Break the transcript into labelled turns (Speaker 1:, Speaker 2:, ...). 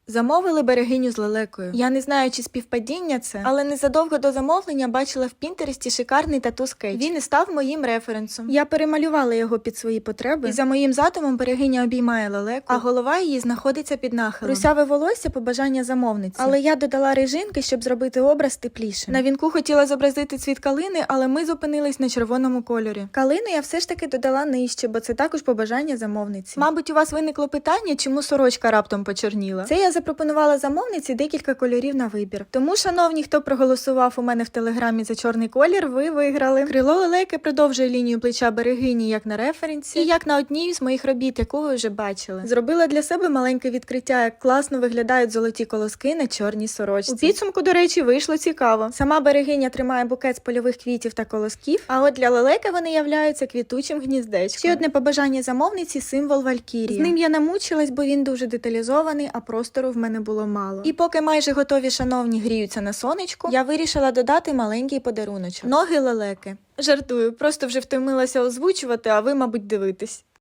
Speaker 1: Замовили берегиню з лелекою. Я не знаю, чи співпадіння це, але незадовго до замовлення бачила в Пінтересті шикарний тату-скетч. Він і став моїм референсом. Я перемалювала його під свої потреби, і за моїм задумом берегиня обіймає лелеку, а голова її знаходиться під нахилом. Русяве волосся – побажання замовниці. Але я додала режинки, щоб зробити образ теплішим. На вінку хотіла зобразити цвіт калини, але ми зупинились на червоному кольорі. Калину я все ж таки додала нижче, бо це також побажання замовниці. Мабуть, у вас виникло питання, чому сорочка раптом почорніла. Це я запропонувала замовниці декілька кольорів на вибір. Тому, шановні, хто проголосував у мене в телеграмі за чорний колір, ви виграли. Крило лелеки продовжує лінію плеча берегині як на референсі, і як на одній з моїх робіт, яку ви вже бачили. Зробила для себе маленьке відкриття, як класно виглядають золоті колоски на чорній сорочці. У підсумку, до речі, вийшло цікаво. Сама берегиня тримає букет з польових квітів та колосків, а от для лелеки вони являються квітучим гніздечком. Ще одне побажання замовниці – символ Валькірії. З ним я намучилась, бо він дуже деталізований, а простору в мене було мало. І поки майже готові шановні гріються на сонечку, я вирішила додати маленький подаруночок. Ноги лелеки. Жартую, просто вже втомилася озвучувати, а ви, мабуть, дивитесь.